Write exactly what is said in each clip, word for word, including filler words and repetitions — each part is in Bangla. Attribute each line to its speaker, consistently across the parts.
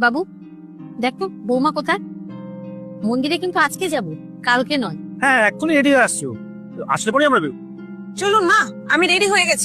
Speaker 1: বাবু দেখো বৌমা কোথায়? মন্দিরে কিন্তু আজকে যাব, কালকে নয়।
Speaker 2: হ্যাঁ এক্ষুনি রেডি হয়ে আসছো, আসলে পরে আমরা বেরোবো।
Speaker 3: চলুন মা, আমি রেডি হয়ে গেছি।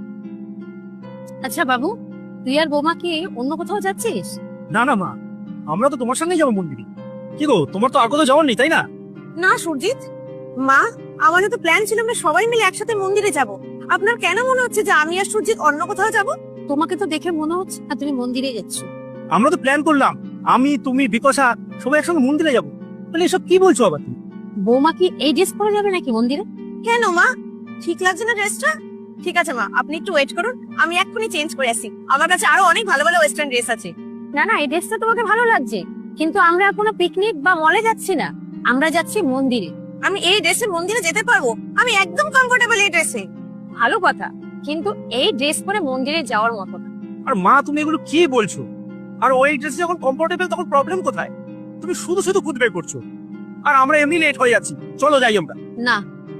Speaker 1: আচ্ছা বাবু, তুই আর বৌমা কি অন্য কোথাও যাচ্ছিস?
Speaker 2: না না মা, আমরা তো তোমার সঙ্গেই যাবো মন্দিরে। কি গো, তোমার তো আর কোথাও যাওয়ার নেই তাই না?
Speaker 3: না সুরজিৎ, মা আমাদের তো প্ল্যান ছিল আমরা সবাই মিলে একসাথে মন্দিরে যাব। আপনার কেন মনে হচ্ছে যে আমি আর সুরজিৎ অন্য কোথাও যাব?
Speaker 1: তোমাকে তো দেখে মনে হচ্ছে না তুমি মন্দিরে যাচ্ছ।
Speaker 2: আমরা তো প্ল্যান করলাম, আমি তুমি বিকশা সবাই একসঙ্গে মন্দিরে যাবো। মানে এসব কি বলছো আবার তুমি?
Speaker 1: বৌমা কি এই ড্রেস পরে যাবে নাকি মন্দিরে?
Speaker 3: কেন মা, ঠিক লাগছে না ড্রেসটা? ঠিক আছে মা, আপনি একটু ওয়েট করুন, আমি এক্ষুনি চেঞ্জ করে আসি। আমার কাছে আরো অনেক ভালো ভালো ওয়েস্টার্ন ড্রেস আছে।
Speaker 1: না না, এই ড্রেসটা তোমাকে ভালো লাগছে, কিন্তু আমরা কোনো পিকনিক বা মলে যাচ্ছি না, আমরা যাচ্ছি মন্দিরে।
Speaker 3: আমি এই ড্রেসে মন্দিরে যেতে পারবো? আমি একদম কমফোর্টেবল এই ড্রেসে।
Speaker 1: ভালো কথা, কিন্তু এই ড্রেস পরে মন্দিরে যাওয়ার মতো না।
Speaker 2: আর মা তুমি এগুলো কি বলছো? আর ওই ড্রেসে যখন কমফোর্টেবল তখন প্রবলেম কোথায়? তুমি শুধু শুধু খুদবে করছো, আর আমরা এমনি লেট হয়ে যাচ্ছি। চলো যাই আমরা।
Speaker 1: না,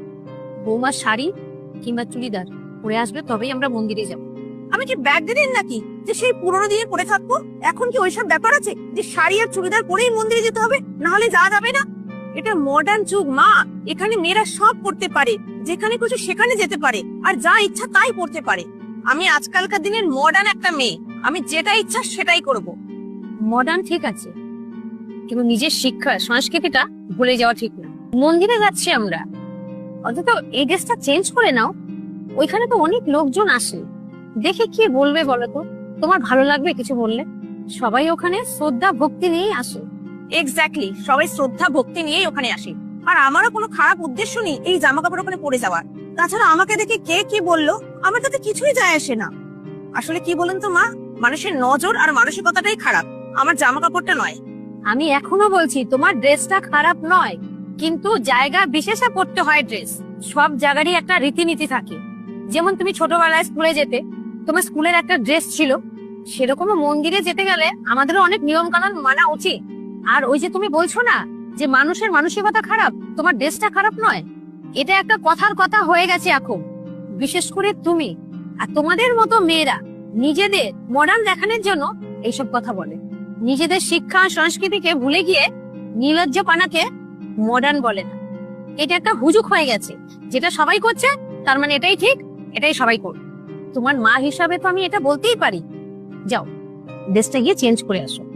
Speaker 1: বৌমার শাড়ি কিংবা চুড়িদার পরে আসবে, তবেই আমরা মন্দিরে যাব।
Speaker 3: আমি কি ব্যাগ দিন নাকি যে সেই পুরোনো দিনে পরে থাকবো? এখন কি ওইসব ব্যাপার আছে যে শাড়ি আর চুড়িদার পরেই মন্দিরে যেতে হবে, না হলে যাওয়া যাবে না? এটা মডার্ন যুগ মা, এখানে মেয়েরা সব করতে পারে, যেখানে খুশি সেখানে যেতে পারে, আর যা ইচ্ছা তাই পড়তে পারে। আমি আজকালকার দিনের মডার্ন একটা মেয়ে, আমি যেটা ইচ্ছা সেটাই করব।
Speaker 1: মডার্ন ঠিক আছে, কিন্তু নিজের শিক্ষা সংস্কৃতিটা ভুলে যাওয়া ঠিক না। মন্দিরে যাচ্ছি আমরা, অন্তত এই ড্রেসটা চেঞ্জ করে নাও। ওইখানে তো অনেক লোকজন আসে, দেখে কি বলবে বলো তো? তোমার ভালো লাগবে কিছু বললে? সবাই ওখানে শ্রদ্ধা ভক্তি নিয়েই আসে।
Speaker 3: এক্স্যাক্টলি, সবাই শ্রদ্ধা ভক্তি নিয়েই ওখানে আসে, আর আমারও কোনো খারাপ উদ্দেশ্য নেই এই জামা কাপড় ওখানে পরে যাওয়ার। তাছাড়া আমাকে দেখে কে কি বললো আমার তাতে কিছুই যায় আসে না। আসলে কি বলেন তো মা, মানুষের নজর আর মানসিকতাটাই খারাপ, আমার জামা কাপড়টা নয়।
Speaker 1: আমি এখনো বলছি তোমার ড্রেসটা খারাপ নয়, কিন্তু জায়গা বিশেষে পড়তে হয় ড্রেস। সব জায়গারই একটা রীতিনীতি থাকে। যেমন তুমি ছোটবেলায় স্কুলে যেতে, তোমার স্কুলের একটা ড্রেস ছিল, সেরকমও মন্দিরে যেতে গেলে আমাদেরও অনেক নিয়ম কানুন মানা উচিত। আর ওই যে তুমি বলছো না যে মানুষের মানসিকতা খারাপ, তোমার ড্রেসটা খারাপ নয়, এটা একটা কথার কথা হয়ে গেছে এখন। বিশেষ করে তুমি আর তোমাদের মতো মেয়েরা নিজেদের মডার্ন দেখানোর জন্য এইসব কথা বলে। নিজেদের শিক্ষা সংস্কৃতিকে ভুলে গিয়ে নির্লজ্জ পানাকে মডার্ন বলে না। এটা একটা হুজুক হয়ে গেছে, যেটা সবাই করছে তার মানে এটাই ঠিক, এটাই সবাই করবে। তোমার মা হিসাবে তো আমি এটা বলতেই পারি। যাও, ড্রেসটা গিয়ে চেঞ্জ করে আসো।